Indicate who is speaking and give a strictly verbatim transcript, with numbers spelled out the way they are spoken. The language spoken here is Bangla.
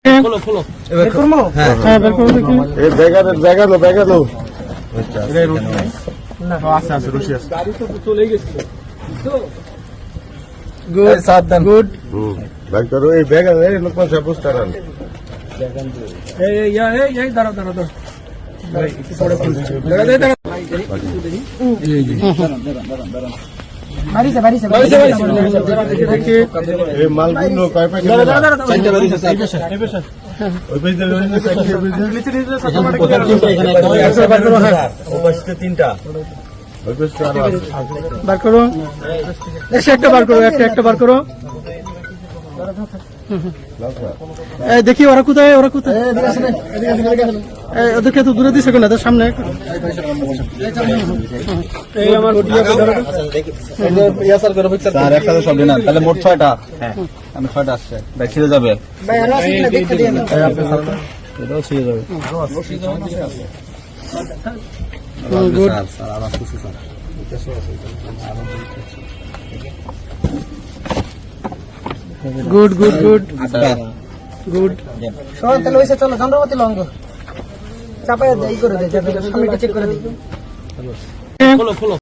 Speaker 1: খোলো খোলো
Speaker 2: বের করবো?
Speaker 3: হ্যাঁ
Speaker 2: হ্যাঁ বের করবো দেখি।
Speaker 4: এই ব্যাগানো ব্যাগানো ব্যাগানো
Speaker 2: না আছে আছে রশি আছে।
Speaker 1: গাড়ি তো চলে গেছে
Speaker 2: গুড
Speaker 3: সাবধান
Speaker 2: গুড।
Speaker 4: হুম ভাই করো এই ব্যাগানো এই লোকমান সাহেব বুঝতে পারেন
Speaker 1: এই এই এই এই দাঁড়া দাঁড়া দাঁড়া
Speaker 2: বাড়িছে বাড়িছে
Speaker 1: বাড়িছে, বাড়িছে।
Speaker 2: দেখি
Speaker 4: এই মালগুলো কয় প্যাকেট
Speaker 3: চারটা বেরিয়েছে স্যার
Speaker 4: ওই পেজ দিয়ে
Speaker 3: তিনটা
Speaker 4: ওই পেজটা আরো আছে
Speaker 2: বার করো। এসে একটা বার করো, একটা একটা বার করো। এই দেখি ওরা কোথায়, ওরা কোথায়? এই ওদেরকে তো দূরে দিছে না, তার সামনে। এই আমার
Speaker 3: স্যার একটা তো সব না তাহলে মোট ছয়টা হ্যাঁ আমি ছয়টা আসছে ভাই ছিঁড়ে যাবে এটাও ছিঁড়ে যাবে
Speaker 2: গুড
Speaker 3: স্যার আর আসতেছে স্যার
Speaker 2: গুড গুড গুড
Speaker 3: আচ্ছা
Speaker 2: গুড।
Speaker 5: শোন তাহলে ওইসে চলো চন্দ্রবতী লঙ্গ চাপাই ই করে দেয় সামনে চেক করে দিই
Speaker 1: খোলো খোলো